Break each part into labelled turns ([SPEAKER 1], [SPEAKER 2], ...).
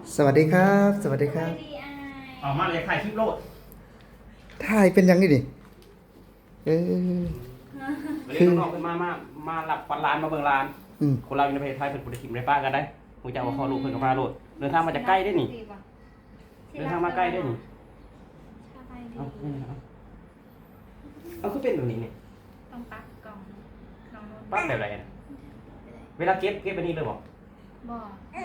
[SPEAKER 1] สวัสดีครับสวัสดีครับ
[SPEAKER 2] ออกมาเลยถ่ายคลิปโลด
[SPEAKER 1] ถ่ายเป็นยังไงดิเออ
[SPEAKER 2] วันนี้น้องๆขึ้นมาหลับฟันร้านมาเบิ่งร้านคนเราอยู่ในประเทศไทยเป็นผู้ถิ่นในป้ากันได้มึงจะเอาข้อลูกเพิ่นกับมาโลดเดินทางมาจากใกล้ได้นี่เดินทางมาใกล้ได้นี่เอาคือเป็นแบบนี้นี่
[SPEAKER 3] ต้องปักกล่องน้องนุ่น
[SPEAKER 2] ปั๊บแบบไรนะเวลาเก็บไปนี่เลยบอก
[SPEAKER 3] บอก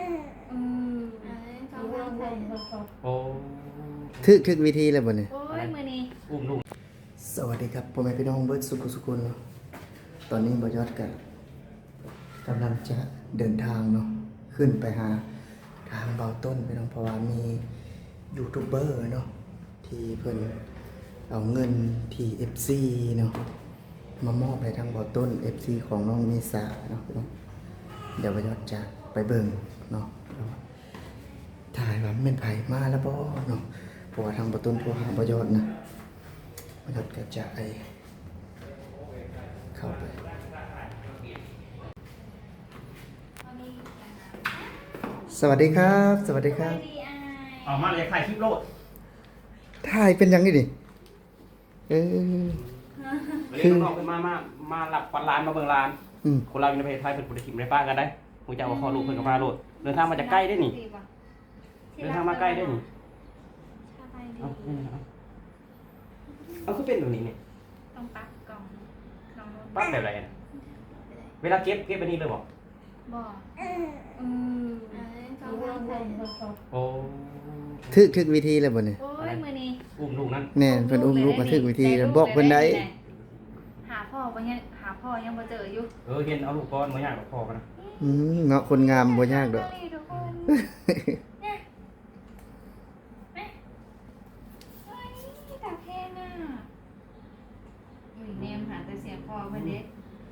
[SPEAKER 3] เขาวางใส่
[SPEAKER 2] โอ้
[SPEAKER 1] ถึกวิธีแล้วบ่เนี่ย
[SPEAKER 3] โอ้ยมือนี้
[SPEAKER 2] อุ้มลูก
[SPEAKER 1] สวัสดีครับพ่อแม่พี่น้องเบิร์ดสุขุนเนาะตอนนี้บอยอดกันกำลังจะเดินทางเนาะขึ้นไปหาทางเบาต้นพี่น้องเพราะว่ามียูทูบเบอร์เนาะที่เพิ่นเอาเงินที่ FC เนาะมามอบให้ทางเบาต้น FC ของน้องเมษาเนาะพี่น้องเดี๋ยวบอยอดจะไปเบิ่งเนาะถ่ายว่าเป็นไผมาแล้วบ่เนาะเพราะว่าทางเบาต้นโทรหาบอยอดนะบอยอดก็จะเข้าไปสวัสดีครับสวัสดีครับ
[SPEAKER 2] ออกมาเลยถ่ายคลิปโลด
[SPEAKER 1] ถ่ายเป็นยังไงดิเออ
[SPEAKER 2] วันนี้น้องๆขึ้นมาหลับฟันร้านมาเบิ่งร้านคนเราอยู่ในประเทศไทยเป็นผู้ถิ่นในป้ากันได้มึงจะเอาข้อลูกเพิ่นกับมาโลดเดินทางมาจากใกล้ได้นี่เดินทางมาใกล้ได้นี่เอาคือเป็นแบบนี้นี่
[SPEAKER 3] ต้องปักกล่องน้องนุ่น
[SPEAKER 2] ปั๊บแบบไรนะเวลาเก็บไปนี่เลยบอก
[SPEAKER 3] บอกเขาวางใส่
[SPEAKER 2] โอ้
[SPEAKER 1] ถึกวิธีแล้วบ่เนี่ย
[SPEAKER 3] โอ้ยมือนี้
[SPEAKER 2] อุ้มลูกนั่น
[SPEAKER 1] แน่เพิ่นอุ้มลูกมาถึกวิธีแล้วบอกเพิ่นได้
[SPEAKER 3] หาพ่อปะเนี่ยหาพ่อยังบ่เจออยู่
[SPEAKER 2] เห็นเอาลูกก้อนมาย่างกับพ่อกันนะ
[SPEAKER 1] เนาะคนงามบ่ยากดอก
[SPEAKER 3] ทุกคนเนี่ยเฮ้ยตาแพงอ่ะอุ้ยเนมหาแต่เสียงพ่อเพิ่นเด้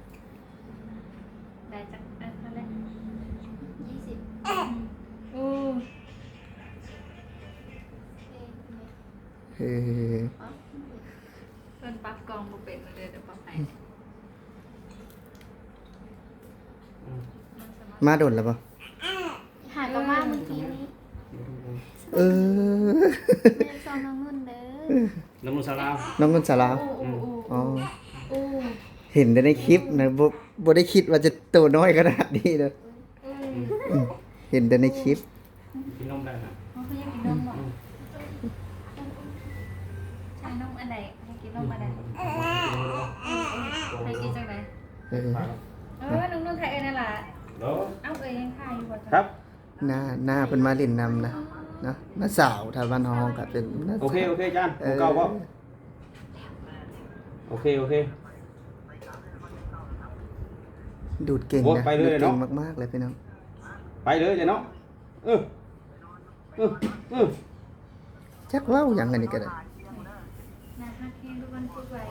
[SPEAKER 3] ได้จักเท่าไหร่20โอ้
[SPEAKER 1] เออ
[SPEAKER 3] เพิ่นปรับกล่องบ่เป็นเลยเดี๋ยวปรับให้
[SPEAKER 1] มาโดนแล้วบ่
[SPEAKER 3] หากับว่าเมื่อกี้นี้
[SPEAKER 1] เออ
[SPEAKER 3] แม่ซองน้องนุ่นเด้อ
[SPEAKER 2] น้ำมันสลาว
[SPEAKER 1] น้องคนสลาว
[SPEAKER 3] โอ้
[SPEAKER 1] อ๋อ
[SPEAKER 3] โอ้
[SPEAKER 1] เห็นแต่ในคลิปนะบ่ได้คิดว่าจะโตน้อยขนาดนี้เด้อเห็นแต่ในคลิป
[SPEAKER 2] กินนมได้นะ
[SPEAKER 3] เขาอยากกินนมเหรอใช่นมอันใดให้กินนมอันใดให้กินจังได
[SPEAKER 1] เออ
[SPEAKER 3] น้องนุ่นไทยเอ้ยนั่นล่ะ
[SPEAKER 2] เดี๋ยว
[SPEAKER 3] เอ้าเอ้ยยังทายอยู่บ่
[SPEAKER 2] ครับ
[SPEAKER 1] หน้าเพิ่นมาเล่นนำนะนะน้าสาวถ้าบ้านเฮาก็เป็นน้า
[SPEAKER 2] โอ
[SPEAKER 1] สาว
[SPEAKER 2] เคจานผมเก่าป่ะโอเค
[SPEAKER 1] ดูดเก่ง
[SPEAKER 2] โอ้
[SPEAKER 1] นะ
[SPEAKER 2] ไปเลย
[SPEAKER 1] ดูด
[SPEAKER 2] เนาะ
[SPEAKER 1] เก่งมากๆเลยพี่น้อง
[SPEAKER 2] ไปเลยเนาะเออ
[SPEAKER 1] จักเว้าหยังอันนี้ก็ได้
[SPEAKER 3] นะฮักแฮงทุกคนพูดไว้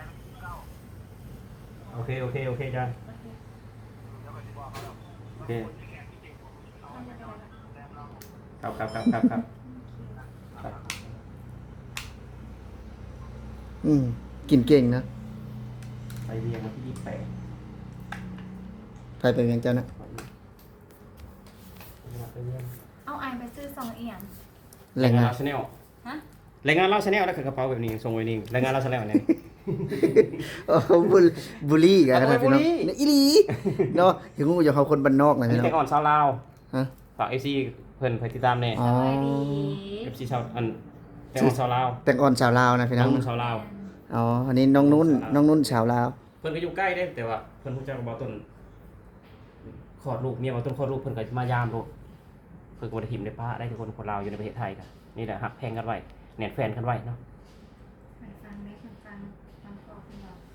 [SPEAKER 2] โอเคจานโอเคครับ
[SPEAKER 1] กินเก่งนะ
[SPEAKER 2] ไปเรียนวันที่28
[SPEAKER 1] ไปเป็นยังเจ้านะ
[SPEAKER 2] ไปเรียน
[SPEAKER 3] เอาอายไปซื้อ2เอียง
[SPEAKER 1] แรงงาน
[SPEAKER 2] ชาแนล
[SPEAKER 3] ฮะ
[SPEAKER 2] รายงานเล่าชาแนลแล้วคือกระเป๋าแบบนี้ส่งไว้นี่รายงานเล่าชาแนลเนี่ย
[SPEAKER 1] โอ้บุลี่กันนะพี่น้อง
[SPEAKER 2] บุลี่
[SPEAKER 1] เนี่ยอีหลีเนาะถึงงูจะเขาคนบ้านนอกนะ
[SPEAKER 2] นี่
[SPEAKER 1] พี่น้อ
[SPEAKER 2] แต่
[SPEAKER 1] ง
[SPEAKER 2] อ่อนชาวลาว
[SPEAKER 1] ฮะ
[SPEAKER 2] ฝาก FC เพิ่นไปติดตามแน่
[SPEAKER 1] อ๋อ
[SPEAKER 3] สบายดี
[SPEAKER 2] FC ชาวแต่อ่อนชาวลาว
[SPEAKER 1] แต่งอ่อนชาวลาวนะพี่น้
[SPEAKER 2] น้
[SPEAKER 1] อ
[SPEAKER 2] อง งชาวลาว
[SPEAKER 1] อ๋ออันนี้น้องนุ่นชาวลาว
[SPEAKER 2] เพิ่นก็อยู่ใกล้เด้แต่ว่าเพิ่นรู้จักกับบ่าวต้นคลอดลูกเมียบ่าวต้นคลอดลูกเพิ่นก็มายามลูกเพิ่นก็บ่ได้ทิ่มได้ป้าได้ทุกคนลาวอยู่ในประเทศไทยกันนี่แหละฮักแพงกันไว้แน่นแฟนกันไว้เนาะ
[SPEAKER 3] ไปฟังเล็กฟังกอกคุณบอก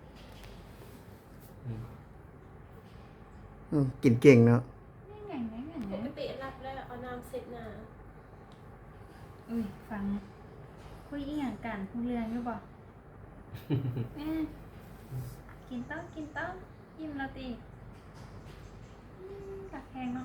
[SPEAKER 1] กินเก่งเนาะ
[SPEAKER 3] นี่
[SPEAKER 4] ปกติรับแล้วเอาน้ำเสร็จหนา
[SPEAKER 3] อุ้ยฟังคุยอีหยังกันคุยเรื่องอยู่บ่กินต้องยิ้มแล้วติตักแพงเนาะ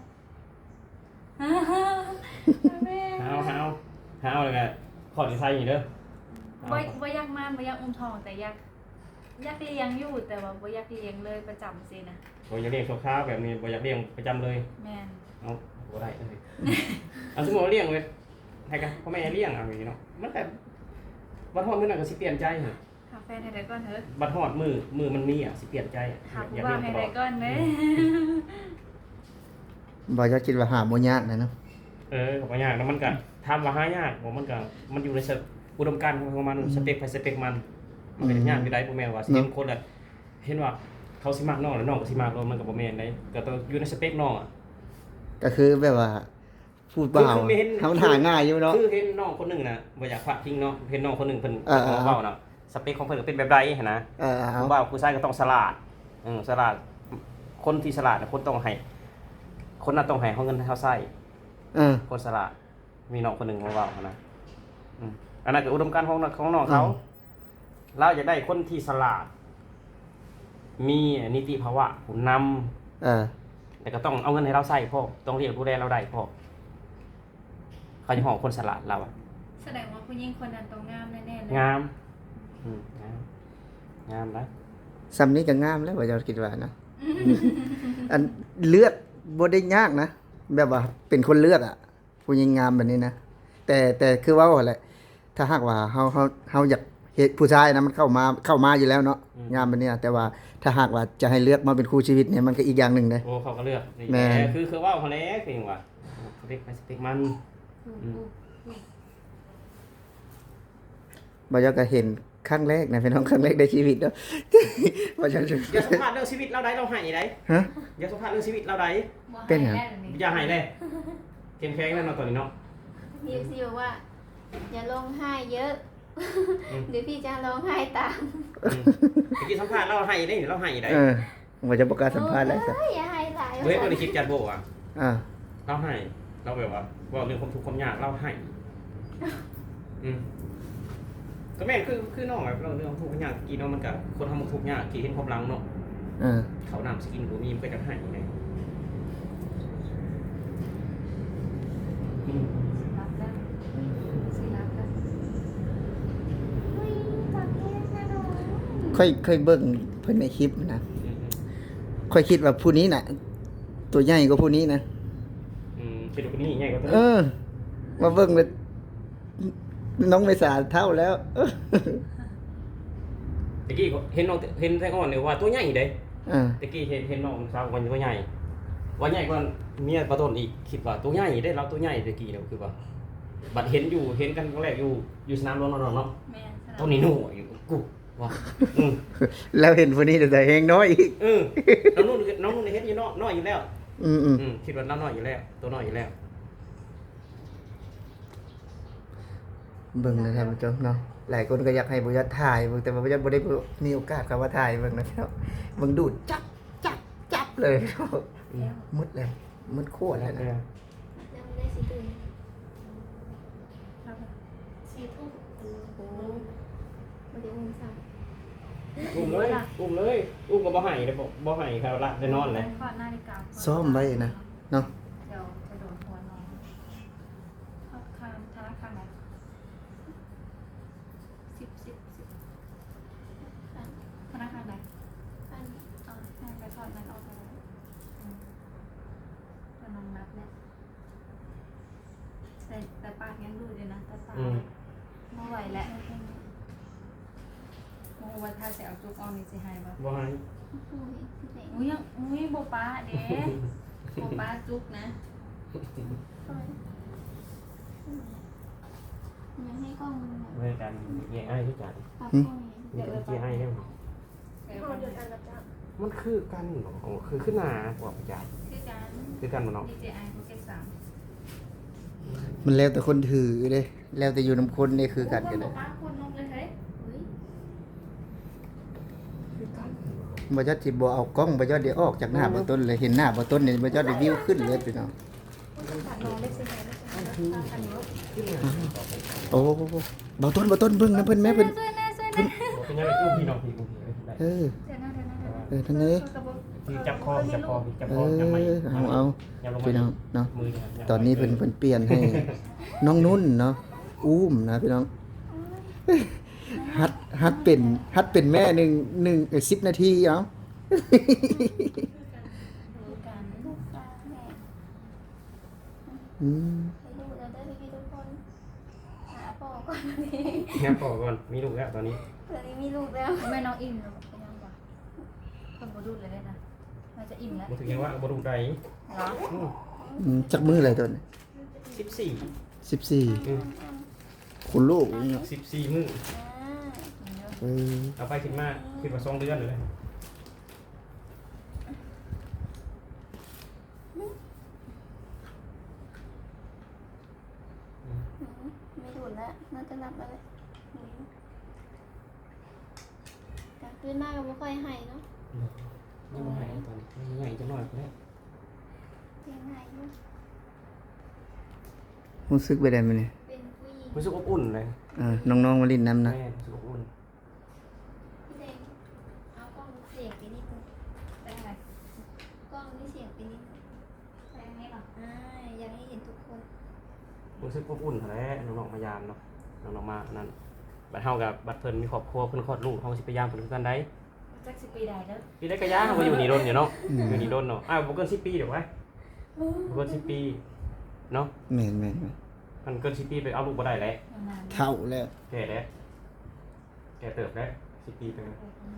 [SPEAKER 3] แม่
[SPEAKER 2] หาวเลยไงขอดที่ไทยนี่เด้อ
[SPEAKER 3] บ่อยากมานบ่อยากอุ้มทองแต่อยากเลี้ยงอยู่แต่ว่าบ่อยากเลี้ยงเลยประจำสินะ
[SPEAKER 2] บ่อยากเลี้ยงชั่วคราวแบบนี้บ่อยากเลี้ยงประจำเลย
[SPEAKER 3] แม่น
[SPEAKER 2] เอาโอบ่ได้เลยเอาสมมุติว่าเลี้ยงไว้ให้กันพ่อแม่เลี้ยงเอาอย่างนี้เนาะมันแต่บัดฮอดมื้อนั้นก็สิเปลี่ยนใจหั่น
[SPEAKER 3] หาแฟนให้ได้ก่อนเถอะ
[SPEAKER 2] บัดฮอดมือมันมีอ่ะสิเปลี่ยนใจ
[SPEAKER 3] หาผู้บ่าวให้ได้ก่อนเด้
[SPEAKER 1] บ่ยอดคิดว่าหาบ่ยากนะเนาะ
[SPEAKER 2] ก็บ่ยากแล้วมันก็ถามว่าหายากบ่มันก็มันอยู่ในอุดมการณ์ของมันสเปคไปสเปคมันก็ยากอยู่ได้บ่แม่นว่าสิเห็นคนละเห็นว่าเขาสิมักน้องแล้วน้องก็สิมักเรามันก็บ่แม่นได้ก็ต้องอยู่ในสเปคน้องอ่ะ
[SPEAKER 1] ก็คือแบบว่าพูดเปล่า
[SPEAKER 2] คือไม่เห็น
[SPEAKER 1] เฮาหาง่ายอยู่เนาะ
[SPEAKER 2] คือเห็นน้องคนหนึงน่ะบ่อยากพลาดทิ้งเนาะเห็นน้องคนหนึงเพิ่น
[SPEAKER 1] เออๆ
[SPEAKER 2] เว้าเนาะสเปคของเพิ่นก็เป็นแบบใดหั่นนะ
[SPEAKER 1] เอา
[SPEAKER 2] ผู้บ่าวผู้ชายก็ต้องฉลาดฉลาดคนที่ฉลาดน่ะคนต้องให้คนนั้นต้องให้เฮาเงินให้เฮาใช้ คนฉลาดมีน้องคนหนึงมาเว้าหั่นนะอันนั้นก็อุดมการณ์ของน้องเขาเราอยากได้คนที่ฉลาด มีนิติภาวะผู้นำแต่ก็ต้องเอาเงินให้เราใช้พ่อต้องเลี้ยงดูแลเราได้พ่อเขาจะห้องคนฉลาดเราอะ
[SPEAKER 3] แสดงว่าผู้หญิงคนนั้นต้องงามแน่ๆเลย
[SPEAKER 2] งามงามนะ
[SPEAKER 1] สำนี้ก็งามแล้วบ่ยอดคิดว่านะอันเลือกบ่ได้ยากนะแบบว่าเป็นคนเลือกอ่ะผู้หญิงงามแบบนี้นะแต่คือว่าแหละถ้าหากว่าเฮาอยากเฮ็ดผู้ชายนะมันเข้ามาอยู่แล้วเนาะงามแบบนี้นะแต่ว่าถ้าหากว่าจะให้เลือกมาเป็นคู่ชีวิตเนี่ยมันก็อีกอย่างหนึงเด้
[SPEAKER 2] โอ้เขาก็เลือก
[SPEAKER 1] แม่น
[SPEAKER 2] คือว่าเขาแล้วคือว่าสเปคไปสเปคมัน
[SPEAKER 1] บ่ยอดก็เห็นครั้งแรกนะพี่น้องครั้งแรกในชีวิตเนาะ บ่ยอด
[SPEAKER 2] อย่าสัมภาษณ์เรื่องชีวิตเราได้เราให้ได้
[SPEAKER 1] ฮะ
[SPEAKER 2] อย่าสัมภาษณ์เรื่องชีวิตเราได้
[SPEAKER 3] บ่
[SPEAKER 1] เป็นหยัง
[SPEAKER 3] ให้ได้แบบนี้
[SPEAKER 2] อย่าให้เลยเข้มแข็งแน่นอนตอนนี้เนาะ
[SPEAKER 4] พี่ซีบอกว่า อย่าร้องไห้เยอะ เดี๋ยวพี่จะร้องไห้ตาม
[SPEAKER 2] เมื่อกี้สัมภาษณ์เราให้ได้เราให้ได้
[SPEAKER 1] บ่จะประกาศสัมภาษณ์แล้วจ้ะ
[SPEAKER 4] โอ้ยอย่าให้หลาย
[SPEAKER 2] เฮ้ยคนในคลิปจัดโบอ่ะ
[SPEAKER 1] อ่า
[SPEAKER 2] เราให้เราแบบว่าเรื่องความทุกข์ความยากเราให้ก็แม่นคือน้องแบบเราเรื่องความทุกข์ความยากกี่น้องมันกับคนทำทุกข์ยากกี่เห็นความหลังเนาะ เขานำสกินกูมีมันก็จะให้ไง
[SPEAKER 3] รับแล้วสิรับแล้ว
[SPEAKER 4] เฮ้ยตอนนี้สนุก
[SPEAKER 1] ค่อยเบิ่งเพิ่นในคลิปนะค่อยคิดว่าผู้นี้น่ะ ตัวใหญ่กว่าผู้นี้นะ
[SPEAKER 2] เป็นคนนี้ไงก็ต้อง
[SPEAKER 1] มาเบิ่งเลยน้องไม่สาเท่าแล้ว
[SPEAKER 2] ตะกี้เห็นน้องเห็นแท้ก่อนเนี่ยว่าตัวใหญ่เด้
[SPEAKER 1] อ่า
[SPEAKER 2] ตะกี้เห็นน้องสาววันตัวใหญ่ว่าใหญ่กว่าเมียประตนอีกคิดว่าตัวใหญ่ได้เราตัวใหญ่ตะกี้เนี่ยคือว่าบัดเห็นกันครั้งแรกอยู่สนามรบเนาะ
[SPEAKER 3] แม่สลับ
[SPEAKER 2] ตัวนี้หนูอยู่กูว่า
[SPEAKER 1] แล้วเห็นผู้นี้แต่เฮงน้อยอีก
[SPEAKER 2] น้องนุ่นเห็นอยู่น้อยอยู่แล้ว คิดว่าน้อยอยู่แล้วตัวน้อยอยู่แล้ว
[SPEAKER 1] เบิ่งนะครับผู้ชมเนาะหลายคนก็อยากให้บ่ยัดถ่ายเบิ่งแต่ว่าบ่ยัดบ่ได้มีโอกาสเข้ามาถ่ายเบิ่งนะครับเบิ่งดูดจับเลย มืดแล้วมืดโคตรแล้วนะ
[SPEAKER 4] ยังไม่ได้สิตื่น
[SPEAKER 3] รับแล้ว
[SPEAKER 4] 4 ทุ่มโอ้โหมาเดี๋ยวมึงสั่ง
[SPEAKER 2] อุ้มเลยก็บ่ให้เลยบ่ให้ครับละได้นอนเลย
[SPEAKER 3] ขอนาฬิกาก่อน
[SPEAKER 1] ซ้อมไว้นะเนาะ
[SPEAKER 3] เดี๋ยวจะโดนหัวน้องเข้าข้างธนาคารไหน10ธนาคารไหน
[SPEAKER 4] อัน
[SPEAKER 3] เอาให้ไปถอดนั้นออกไปแล้วก็น้องนับแล้วแต่ปากยังดูเลยนะแต่ตาไม่ไหวแล้วโอ้วันถ้าจะเอาจุกออนนี่สิให้บ่
[SPEAKER 2] บ่ให้
[SPEAKER 4] โอ้ยพี่เด็ก
[SPEAKER 3] อุ้ยยังอุ้ยโบป้าเด้โบป้าจุกนะ
[SPEAKER 4] ยังให้กล้องมันแบบ
[SPEAKER 2] เมื่อกันแย่ไอ้ที่จัด
[SPEAKER 4] ปรับกล้องไง
[SPEAKER 2] มีแต่ที่ให้เนี่ย
[SPEAKER 3] เดี๋ยว
[SPEAKER 4] พอ
[SPEAKER 3] ก่อน
[SPEAKER 4] เดินอันรับจ้าง
[SPEAKER 2] มันคือกันเหรอคือขึ้นหน้าบอกประจัด
[SPEAKER 3] คือการ
[SPEAKER 2] คือกันมันเนาะ
[SPEAKER 3] DJI Pocket 3
[SPEAKER 1] มันแล้วแต่คนถือเด้แล้วแต่อยู่นำคนนี่คือกันกัน
[SPEAKER 3] โบ
[SPEAKER 1] เด้
[SPEAKER 3] ป้าคนนกเลยเฮ้ย
[SPEAKER 4] เฮ้ย
[SPEAKER 2] คือกัน
[SPEAKER 1] บ่ยัดสิบ่เอากล้องบ่ยัดเดี๋ยวออกจากหน้าบ่ต้นเลยเห็นหน้าบ่ต้นนี่บ่ยัดได้วิวขึ้นเลยพี่น้อง
[SPEAKER 4] ตัดน้องเล็กสิไหนเล็กสิไหนคันนี้
[SPEAKER 1] โอ้บ่ต้นเบิ่งนะเพิ่นแม่เพิ่น
[SPEAKER 3] ช่วยแน่ช่วยแน่
[SPEAKER 2] เป็นยังไงกู้พี่น้องพี่กู้พี่ได้
[SPEAKER 1] เออ
[SPEAKER 3] เดี๋ยวนะเดี๋ยวนะ
[SPEAKER 1] ท่านนี้
[SPEAKER 2] พี่จับคอจับคอจับ
[SPEAKER 1] เอ
[SPEAKER 2] คอจับไม่
[SPEAKER 1] เอา
[SPEAKER 2] อย่าลง
[SPEAKER 1] พี่น้อง
[SPEAKER 2] มา
[SPEAKER 1] เนาะ
[SPEAKER 2] มือ
[SPEAKER 1] ตอนนี้เพิ่นเปลี่ยนให้ น้องนุ่นเนาะอุ้มนะพี่น้องฮัดเป็นแม่10 นาทีเอ้า
[SPEAKER 3] ดูกัน
[SPEAKER 4] ลูกตาแม่
[SPEAKER 1] อืม
[SPEAKER 4] ให้ดูแล้วได้พี่ทุกคนหาพ่อก่อนตอนนี้
[SPEAKER 2] งั้นพอก่อนมีลูกแล้วตอนนี้
[SPEAKER 4] ตอนนี้มีลูกแล้ว
[SPEAKER 3] แม่น้องอิ่มแล้วเป็นยังบ่คนบ่ดูดเลยได้นะน่าจะอิ่มแล้ว
[SPEAKER 2] บ่ถึงยังว่าบ่ถูกใจ
[SPEAKER 3] เหรอ
[SPEAKER 1] จักมืออะไรตัวนี้
[SPEAKER 2] 14
[SPEAKER 1] 14คุณลูกนี่เนาะ
[SPEAKER 2] 14มื้อ
[SPEAKER 4] อ่า
[SPEAKER 3] กินเยอะ
[SPEAKER 1] เออ
[SPEAKER 2] เอาไปคิดมาคิดว่า2เดือนเลย
[SPEAKER 4] ไม่ดูดแล้วน่าจะหลับแล้วแหละกลางคืนมากก็ไม่ค่อยให้เนาะ
[SPEAKER 2] ยังบ่ให้ตอนนี้ยังไงจะน้อยกว่านี้
[SPEAKER 4] เพียงให้อยู่
[SPEAKER 1] รู้สึกไปได้มั้ยเนี่ย
[SPEAKER 4] เป็นผู้หญิง
[SPEAKER 2] รู้สึกอบอุ่นเลย
[SPEAKER 1] น้องๆมาลิ้นน้ำนะ
[SPEAKER 2] แม่รู้สึกอบอุ่น
[SPEAKER 4] พี่เดงเอากล้องเสียงไปนิดนึง
[SPEAKER 3] ได้ไง
[SPEAKER 4] กล้องนี่เสียงไปนิดนึง
[SPEAKER 3] ได้ไงหรอ
[SPEAKER 4] อยากให้เห็นทุกคน
[SPEAKER 2] รู้สึกอบอุ่นแท้น้องๆมายามเนาะน้องๆมานั่นบัดเฮากับบัดเพิ่นมีครอบครัวเพิ่นคลอดลูกเฮาสิไปยามเพิ่นคือกันได้
[SPEAKER 3] จักสิปีใดแล้ว
[SPEAKER 2] ปีได้กะยาเฮาก็อยู่นี่โดนอยู่เนาะอยู่นี่โดนเนาะบ่เกิน10ปีเดี๋ยวไว้บ่เกิน10ปีเนาะ
[SPEAKER 1] แม่น
[SPEAKER 2] มันเกิน10ปีไปเอาลูกบ่ได้แล้ว
[SPEAKER 3] นาน
[SPEAKER 1] เท่าแล้ว
[SPEAKER 2] แก่แล้วแก่เติบแล้ว10ปีไปแล้ว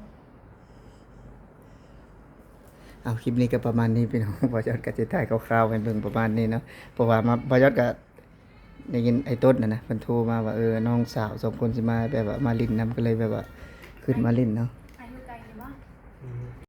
[SPEAKER 1] เอาคลิปนี้ก็ประมาณนี้พี่น้อง บ่ยอดก็จะถ่ายคร่าวๆให้เบิ่งประมาณนี้เนาะเพราะว่ามาบ่ยอดก็ได้ยินไอ้ต้นน่ะนะเพิ่นโทรมาว่าน้องสาว2คนสิมาแบบว่ามาลิ้นน้ำก็เลยแบบว่าขึ้นมาลิ้นเนาะ